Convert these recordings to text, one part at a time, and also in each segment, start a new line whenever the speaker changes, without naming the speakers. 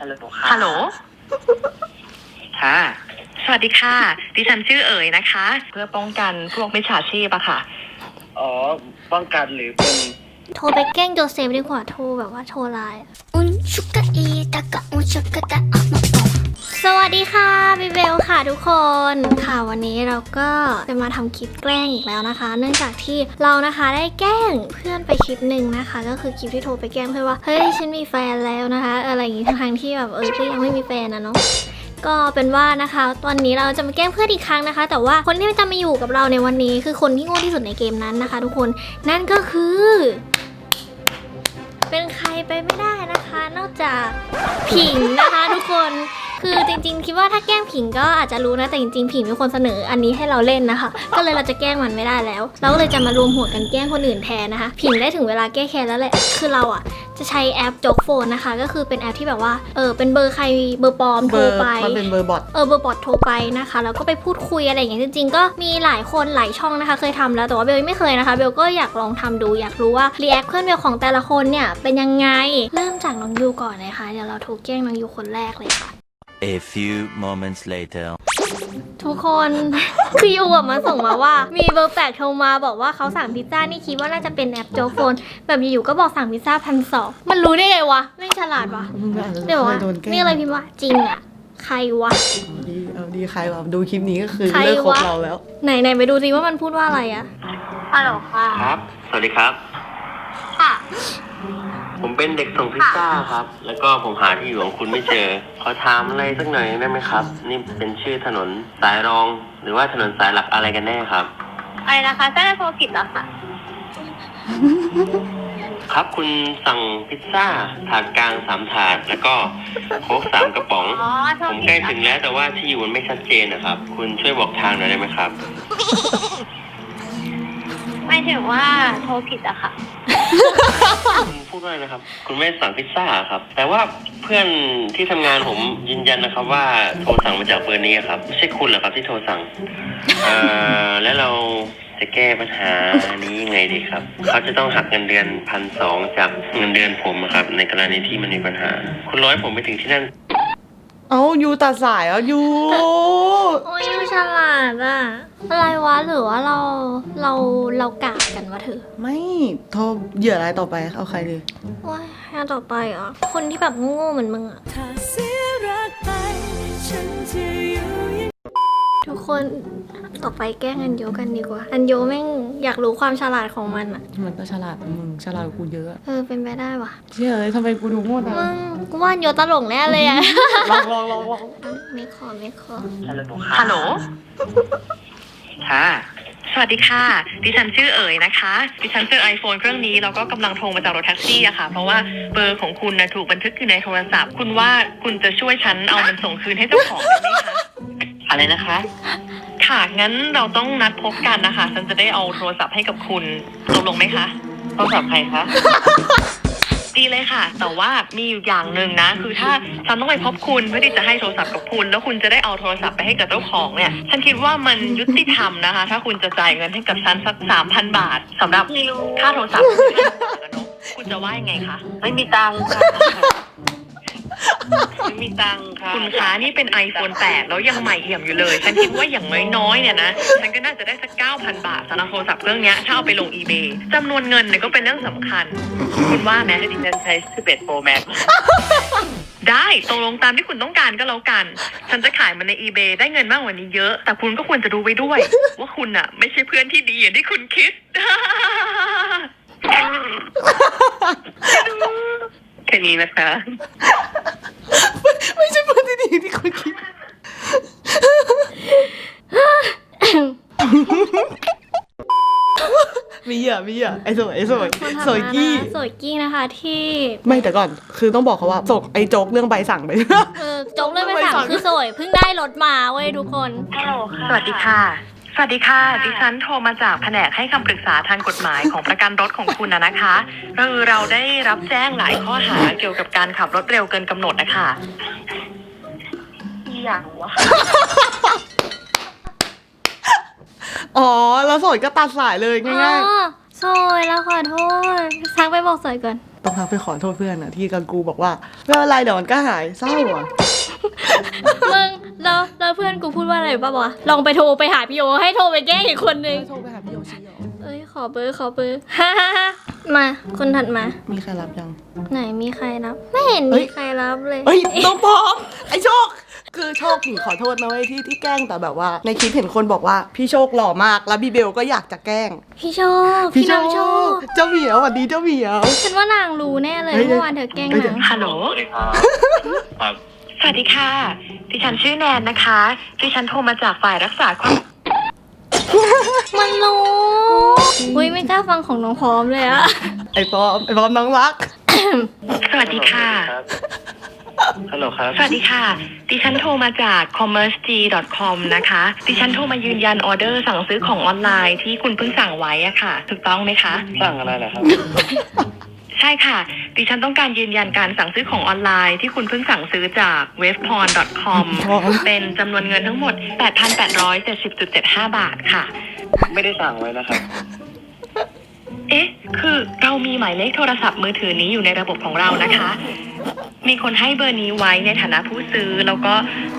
ฮัลโหลค่ะ
ฮัลโหล
ค่ะ
สวัสดีค่ะดิฉันชื่อเอ๋ยนะคะ เพื่อป้องกันพวกมิจฉาชีพอะค่ะ
อ๋อป้องกันหรือเป็น
โทรไปแกล้งโจเซฟดีกว่าโทรแบบว่าโทรไลน์สวัสดีค่ะบิเบลค่ะทุกคนค่ะวันนี้เราก็จะมาทำคลิปแกล้งอีกแล้วนะคะ เนื่องจากที่เรานะคะได้แกล้งเพื่อนไปคลิปหนึ่งนะคะก็คือคลิปที่โทรไปแกล้งเพื่อนว่าเฮ้ยฉันมีแฟนแล้วนะคะอะไรอย่างงี้ทั้งที่แบบก็ยังไม่มีแฟนนะเนาะก็เป็นว่านะคะตอนนี้เราจะมาแกล้งเพื่อนอีกครั้งนะคะแต่ว่าคนที่จะมาอยู่กับเราในวันนี้คือคนที่โง่ที่สุดในเกมนั้นนะคะทุกคนนั่นก็คือเป็นใครไปไม่ได้นะคะนอกจากผิงนะคะทุกคนคือจริงๆคิดว่าถ้าแกล้งผิงก็อาจจะรู้นะแต่จริงๆผิงเป็นคนเสนออันนี้ให้เราเล่นนะคะก็เลยเราจะแกล้งมันไม่ได้แล้วเราก็เลยจะมารวมหัวกันแกล้งคนอื่นแทนนะคะผิงได้ถึงเวลาแก้แค้นแล้วแหละคือเราอ่ะจะใช้แอปโจ๊กโฟนนะคะก็คือเป็นแอปที่แบบว่าเป็นเบอร์ใครเบอร์ปลอมโทรไป
มันเป็นเบอร์บอท
เบอร์บอทโทรไปนะคะแล้วก็ไปพูดคุยอะไรอย่างเงี้ยจริงๆก็มีหลายคนหลายช่องนะคะเคยทำแล้วแต่ว่าเบลไม่เคยนะคะเบลก็อยากลองทำดูอยากรู้ว่ารีแอคเพื่อนเบลของแต่ละคนเนี่ยเป็นยังไงเริ่มจากน้องยูก่อนเลยค่ะเดี๋ยวเราโทรแกล้งน้องยูคนแรกเลยค่ะ
A few moments later
ทุกคน คือยูมาส่งมาว่ามีเบอร์แปลกโทรมาบอกว่าเขาสั่งพิซซ่านี่คิดว่าน่าจะเป็นแอปโจ๊กโฟนแบบอยู่ๆก็บอกสั่งพิซซ่า1,200มันรู้ได้ไงวะไม่ฉลาดวะเดี๋ยวว่านี่อะไรพิมพ์ว่าจริงอ่ะใครวะ
ดีใครวะดูคลิปนี้ก็คือเลิกคบเราแล้ว
ไหนไปดูซิว่ามันพูดว่าอะไรอะฮัลโหลค่ะ
ครับสวัสดีครับ
ค่ะ
ผมเป็นเด็กส่งพิซซ่าครับแล้วก็ผมหาที่อยู่ของคุณไม่เจอขอถามอะไรสักหน่อยได้ไหมครับนี่เป็นชื่อถนนสายรองหรือว่าถนนสายหลักอะไรกันแน่ครับ
อะไรนะคะเส้นโทรผิดเหรอคะ
ครับคุณสั่งพิซซ่าถาดกลาง3 ถาดแล้วก็โค้ก3 กระป๋องผมใกล้ถึงแล้วแต่ว่าที่อยู่มันไม่ชัดเจนนะครับคุณช่วยบอกทางหน่อยได้ไหมครับ
ไม่ถึงว่าโทรผิดอะค่ะ
คุณพูดว่านะครับคุณไม่สั่งพิซซ่าครับแต่ว่าเพื่อนที่ทำงานผมยืนยันนะครับว่าโทรสั่งมาจากเบอร์นี้ครับไม่ใช่คุณเหรอครับที่โทรสั่งแล้วเราจะแก้ปัญหานี้ยังไงดีครับเขาจะต้องหักเงินเดือน1,200จากเงินเดือนผมครับในกรณีที่มันมีปัญหาคุณร้อยผมไปถึงที่นั่น
ยูตัดสายยู
โอ้ยยูฉลาดอะอะไรวะหรือว่าเรากะกันวะเธอ
ไม่โทรเหยื่ออะไรต่อไปเอาใครดี
ว้ายงานต่อไปเหรอคนที่แบบโง่เหมือนมึงอะทุกคนต่อไปแกล้งอันโยกันดีกว่าอันโยแม่งอยากรู้ความฉลาดของมันอะ
มันก็ฉลาดมึงฉลาดกูเยอะ
เป็นไปได้วะ
เชื่อเลยทำไมกูดูโง่จัง
มึงกูว่าอันโยตลกแน่เลยอะ
ลอง
ไม่ขอ
ฮัลโหล
ฮัลโหล
ค่ะ
สวัสดีค่ะดิฉันชื่อเอ๋ยนะคะดิฉันเจอ iPhone เครื่องนี้แล้วก็กำลังโทรมาจากรถแท็กซี่อะค่ะเพราะว่าเบอร์ของคุณนะถูกบันทึกอยู่ในโทรศัพท์คุณว่าคุณจะช่วยฉันเอามันส่งคืนให้เจ้าของได้ไหมคะ
อะไรนะคะ
ค่ะงั้นเราต้องนัดพบกันนะคะฉันจะได้เอาโทรศัพท์ให้กับคุณตกลงไหมคะ
โทรศัพท์ใครคะ
ดีเลยค่ะแต่ว่ามีอยู่อย่างหนึ่งนะคือถ้าฉันต้องไปพบคุณเพื่อที่จะให้โทรศัพท์กับคุณแล้วคุณจะได้เอาโทรศัพท์ไปให้กับเจ้าของเนี่ยฉันคิดว่ามันยุติธรรมนะคะถ้าคุณจะจ่ายเงินให้กับฉันสัก 3,000 บาทสำหรับค่าโทรศัพท์คุณจะว่ายังไงคะ
ไม่มีตังค์ค่ะไม่มีตังค์ค่ะ
คุณคะนี่เป็น iPhone 8แล้วยังใหม่เอี่ยมอยู่เลยฉันคิดว่าอย่างน้อยๆเนี่ยนะฉันก็น่าจะได้สัก 9,000 บาทสำหรับโทรศัพท์เครื่องนี้ถ้าเอาไปลง eBay จำนวนเงินเนี่ยก็เป็นเรื่องสำคัญคุณว่าไหม
ดิฉันใช้11 Pro Max
ได้ตกลงตามที่คุณต้องการก็แล้วกันฉันจะขายมันใน eBay ได้เงินมากกว่านี้เยอะแต่คุณก็ควรจะรู้ไว้ด้วยว่าคุณอะไม่ใช่เพื่อนที่ดีอย่างที่คุณคิด
แค่นี้นะคะ
ไม่ใช่เพื่อนที่ดีที่คุณคิดมีเหยื่อไอ้สวย
กี้นะคะที่
ไม่แต่ก่อนคือต้องบอกเขาว่าส่งไอ้โจ๊กเรื่องใบสั่งไป
โจ๊กเรื่องใบสั่งคือสวยเพิ่งได้รถมาเว้ยทุกคน
ฮัลโหลค่ะสวัสดีค่ะดิฉันโทรมาจากแผนกให้คำปรึกษาทางกฎหมายของประกันรถของคุณนะคะเราได้รับแจ้งหลายข้อหาเกี่ยวกับการขับรถเร็วเกินกำหนดนะคะ
อย่างวะ
แล้วสวยก็ตัดสายเลยง่าย
ๆสวยแล้วขอโทษทักไปบอกสวยก่อน
ต้องทักไปขอโทษเพื่อนอะที่กังกูบอกว่าไม่เป็นไรเดี๋ยวมันก็หายเศร้าอะ
มึงแล้วเพื่อนกูพูดว่าอะไรป่ะวะลองไปโทรไปหาพี่โอให้โทรไปแกล้งอีกคนนึง
โทรไปหาพี่โยชิเหรอ
เอ้ยขอเบอร์ฮ่ามาคนถัดมา
มีใครรับยัง
ไหนมีใครรับ ไม่เห็น
เฮ้
มี
ย
ใครรับเลย
เฮ้ยน้องพร้อมไอโชค คือโชคถึงขอโทษนะเว้ยที่แกล้งแต่แบบว่า ในคลิปเห็นคนบอกว่าพี่โชคหล่อมากแล้วพี่เบลก็อยากจะแกล้ง
พี่โชคพี่น้องโชค
เจ้าเหมียวสวัสดีเจ้าเหมียว
ฉันว่านางรู้แน่เลย
เฮ้ย
เมื่อวานเธอแกล้ง
เฮ้ย
นาง
ฮัลโหล
สวัสดีครับ ครับ
สวัสดีค่ะ ดิฉันชื่อแนนนะคะ ดิฉันโทรมาจากฝ่ายรักษาความ
มันรู้อุ้ยไม่กล้าฟังของน้องพร้อมเลยอะ
ไอพร้อมน้องรัก
สวัสดีค่ะ
ฮัลโหลครับ
สวัสดีค่ะ ดิฉันโทรมาจาก commerceg.com นะคะ ดิฉันโทรมายืนยันออเดอร์สั่งซื้อของออนไลน์ที่คุณเพิ่งสั่งไว้อะค่ะ ถูกต้องไหมคะ
สั่งอะไรเหรอครับ
ใช่ค่ะ ดิฉันต้องการยืนยันการสั่งซื้อของออนไลน์ที่คุณเพิ่งสั่งซื้อจาก webporn.com เป็นจำนวนเงินทั้งหมด 8,870.75 บาทค่ะ
ไม่ได้สั่งไว้นะครับ
เอ๊ะ คือเรามีหมายเลขโทรศัพท์มือถือนี้อยู่ในระบบของเรานะคะ มีคนให้เบอร์นี้ไว้ในฐานะผู้ซื้อแล้วก็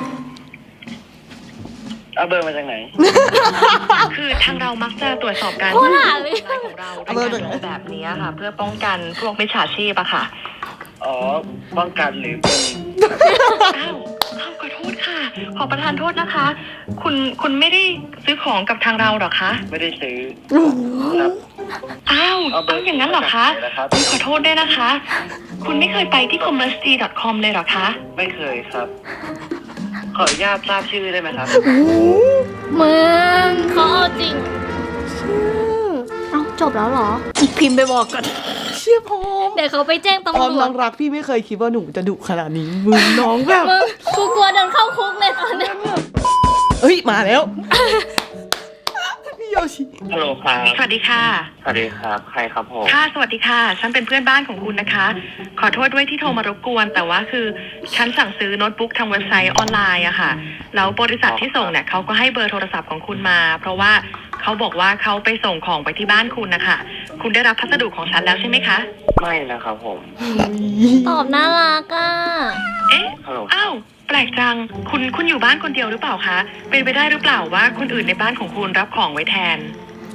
เอาเบอร์มาจากไหน
คือทางเรามักจะตรวจสอบการ
โคตรหาเลย
ของเราด้วยการทำแบบนี้ค่ะ เพื่อป้องกันพวกมิจฉาชีพอะค่ะ
อ๋อ ป้องกันหรือเป็น
อ้าวขอโทษค่ะ ขอประทานโทษนะคะ คุณไม่ได้ซื้อของกับทางเราหรอคะ
ไม่ได้ซื้อครับ
อ้าว
เอาเบอร์
อย่างนั้นเหรอคะ
จากไหนนะครับ
ขอโทษด้วยนะคะ คุณไม่เคยไปที่ commerce.com เลยเหรอคะ
ไม่เคยครับ ขออนุญาตทราบชื่อได้ไหมครับ
มึงเขาเอาจริงเอ้าจบแล้วเหรอ พิมพ์ไปบอกก่อน
เชี่ยพร้อม
เดี๋ยวเขาไปแจ้งตำ
พร้อม
รว
น้
จ
องรักพี่ไม่เคยคิดว่าหนูจะดุขนาดนี้มึงน้องแบบ
มึงกูกลัวเดินเข้าคุกเลยตอนนี้
เฮ้ยมาแล้ว พี่โยชิ
ฮัลโหลครับ
สวัสดีค่ะ
สวัสดีครับ ใครครับผม
ค่ะ สวัสดีค่ะ ฉันเป็นเพื่อนบ้านของคุณนะคะ ขอโทษด้วยที่โทรมารบกวน แต่ว่าคือฉันสั่งซื้อโน้ตบุ๊กทางเว็บไซต์ออนไลน์อะค่ะ แล้วบริษัทที่ส่งเนี่ยเขาก็ให้เบอร์โทรศัพท์ของคุณมา เพราะว่าเขาบอกว่าเขาไปส่งของไปที่บ้านคุณนะคะ คุณได้รับพัสดุของฉันแล้วใช่ไหมคะ
ไม่นะครับผม
ตอบน่ารักอ่ะ
เอ๊ะ
ฮัลโหล
อ้าว แปลกจัง คุณอยู่บ้านคนเดียวหรือเปล่าคะ เป็นไปได้หรือเปล่าว่าคนอื่นในบ้านของคุณรับของไว้แทน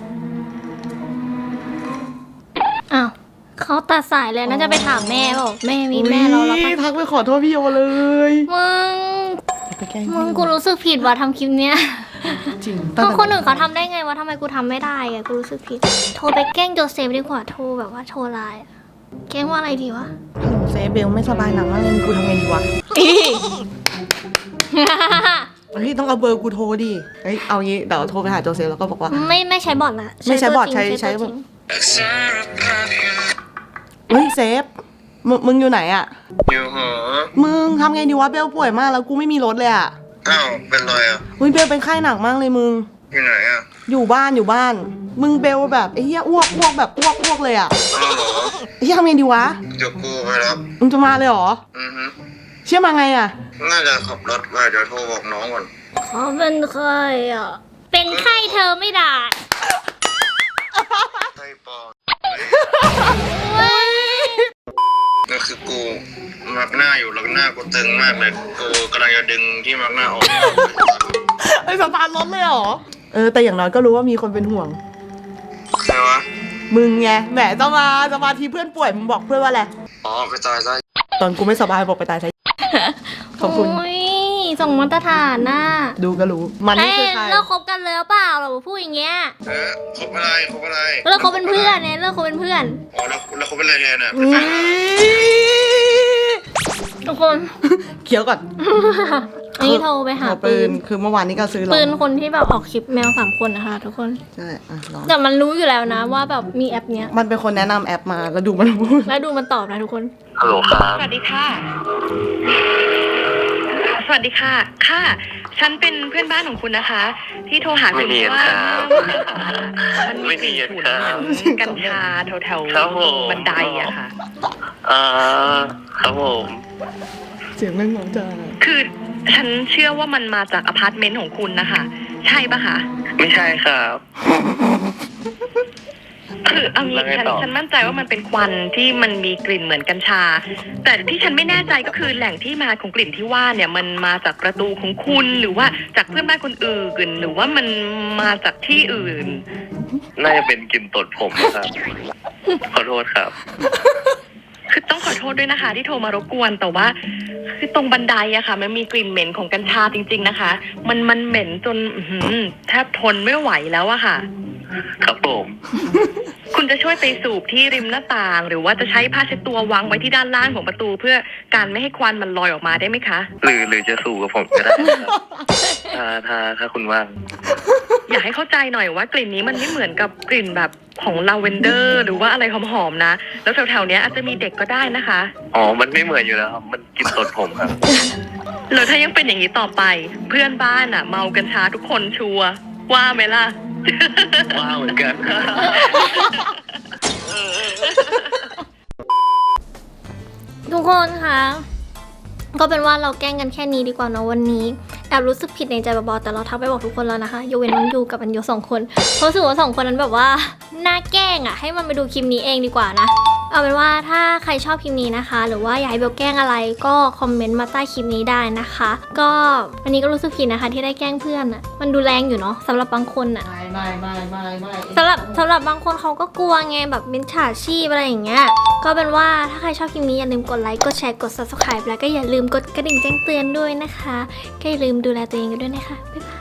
อ้าวเขาตัดสายเลยน่าจะไปถามแม่บอกแม่มีแม่เราแล้ว
อุ๊
ปะ
ยทักไปขอโทษพี่โยเลย
มึง
ไปแกล้ง
มึงกูรู้สึกผิดว่ะทำคลิปเนี้ย
จริง
เพราะคนอื่นเขาทำได้ไงวะทำไมกูทำไม่ได้อะกูรู้สึกผิด โทรไปแกล้งโจเซฟดีกว่าโทรแบบว่าโทรไลน์อะแกล้งว่าอะไรดีวะ
ฮัลโหลเซฟเบลไม่สบายหนักมากเลยมึงกูทำไงดีวะเฮ้ยต้องเอาเบอร์กูโทรดิเฮ้ยเอางี้เดี๋ยวโทรไปหาโจเซฟแล้วก็บอกว่า
ไม่ใช้บอทละ
ไม่ใช้บอท
ตัวจริง
ใช้
ตัวจริง
เฮ้ยเซฟมึงอยู่ไหนอะ
อยู่หอ
มึงทำไงดีวะเบลป่วยมากแล้วกูไม่มีรถเลยอะ
อ้าว เป็นไรอ่ะ
เฮ้ยเบลเป็นไข้หนักมากเลยมึง
อยู่ไหนอ่ะ
อยู่บ้านมึงเบลแบบไอ้เหี้ยอ้วกแบบอ้วกเลยอะ
อ้าวเหรอ
ไอ้เหี้ยทำไงดีวะ
เดี๋ยวกูไปรับ
มึงจะมาเลยเหรอ
อือฮึ
เชื่อมาไงอะ
น่าจะขับรถไปเดี๋ยวโทรบอกน้องก่อน
เขาเป็นใครอ่ะ เป็นไข้เธอไม่ด่า
ใช่ปอ
เว้ย
นั่นคือกูมักหน้าอยู่แล้วหน้ากูตึงมากเลยกูกำลังจะดึงที่มักหน้าออก
ไอ้สตาร์ทรถเลยเหรอแต่อย่างน้อยก็รู้ว่ามีคนเป็นห่วง
ใครวะ
มึงไงแหมจะมาทีเพื่อนป่วยมึงบอกเพื่อนว่าอะไร
อ๋อไปตายซะ
ตอนกูไม่สบายบอกไปตายซะขอบคุณ
โอ้ยส่งมาตรฐานน่ะ
ดูก็รู้มันนี่คือใคร
เลิกคบกันแล้วเปล่าเราพูดอย่างเงี้ย
คบอะไรคบอะไร
เลิกคบเป็นเพื่อนเนี่ยเลิกคบเป็นเพื่อน
อ๋อแล้วคบเป็นอะไรแทนอ่ะ
อุ๊ย
ทุกคน
เคี้ยวก่อน
อันนี้โทรไปหาปืน
คือเมื่อวานนี้ก็ซื้อลอง
ปืนคนที่แบบออกคลิปแมว3 คนนะคะทุกคน
ใช่ลอง
แต่มันรู้อยู่แล้วนะว่าแบบมีแอปเนี้ย
มันเป็นคนแนะนำแอปมาแล้วดูมันพูด
แล้วดูมันตอบนะทุกคน
ฮัลโหลครับ
สวัสดีค่ะ สวัสดีค่ะ ค่ะ ฉันเป็นเพื่อนบ้านของคุณนะคะ ที่โทรหาคุณ
ไม่เนียน
ว่า
ครับ
มัน
ไม่เนียนครับ
ฝุ่นกัญชาแถว
ครับผม
ๆบันไดอะค่ะ
ครับผม
เสียงแม่งหมองจ้า
คือฉันเชื่อว่ามันมาจากอพาร์ตเมนต์ของคุณนะคะ ใช่ปะคะ
ไม่ใช่ครับ
คือเอางี้
แล้วไงต่อ
ฉันมั่นใจว่ามันเป็นควันที่มันมีกลิ่นเหมือนกัญชา แต่ที่ฉันไม่แน่ใจก็คือแหล่งที่มาของกลิ่นที่ว่าเนี่ยมันมาจากประตูของคุณหรือว่าจากเพื่อนบ้านคนอื่นหรือว่ามันมาจากที่อื่น
น่าจะเป็นกลิ่นตดผมนะครับ ขอโทษครับ
คือต้องขอโทษด้วยนะคะที่โทรมารบกวนแต่ว่าคือตรงบันไดอะค่ะ มันมีกลิ่นเหม็นของกัญชาจริง ๆนะคะ มันเหม็นจนแทบทนไม่ไหวแล้วอะค่ะ
ครับผม
คุณจะช่วยไปสูบที่ริมหน้าต่าง หรือว่าจะใช้ผ้าเช็ดตัววางไว้ที่ด้านล่างของประตู เพื่อการไม่ให้ควันมันลอยออกมาได้ไหมคะ
หรือจะสู่กับผมก็ได้นะครับถ้าคุณว่าง
อยากให้เข้าใจหน่อยว่ากลิ่นนี้มันไม่เหมือนกับกลิ่นแบบของลาเวนเดอร์หรือว่าอะไรหอมๆนะ แล้วแถวๆเนี้ยอาจจะมีเด็กก็ได้นะคะ
อ๋อ มันไม่เหมือนอยู่แล้วครับ มันกลิ่นตดผมครับ
แล้วถ้ายังเป็นอย่างนี้ต่อไป เพื่อนบ้านอะเมากัญชาทุกคนชัวร์ว่าไหมล่ะ
ว้าวเหมือนกัน
ทุกคนคะก็เป็นว่าเราแกล้งกันแค่นี้ดีกว่าเนอะวันนี้แอบรู้สึกผิดในใจเบาๆแต่เราทักไปบอกทุกคนแล้วนะคะยกเว้นน้องยูกับอันโย2 คนเพราะรู้สึกว่า2 คนนั้นแบบว่าน่าแกล้งอ่ะให้มันไปดูคลิปนี้เองดีกว่านะเอาเป็นว่าถ้าใครชอบคลิปนี้นะคะ หรือว่าอยากให้เบลแกล้งอะไรก็คอมเมนต์มาใต้คลิปนี้ได้นะคะ ก็วันนี้ก็รู้สึกผิดนะคะที่ได้แกล้งเพื่อนอ่ะมันดูแรงอยู่เนาะสำหรับบางคนอ่ะ
ไม่
สำหรับบางคนเขาก็กลัวไงแบบมิจฉาชีพอะไรอย่างเงี้ยก็เป็นว่าถ้าใครชอบคลิปนี้อย่าลืมกดไลค์กดแชร์กด subscribe แล้วก็อย่าลืมกดกระดิ่งแจ้งเตือนด้วยนะคะก็อย่าลืมดูแลตัวเองกันด้วยนะคะบ๊ายบาย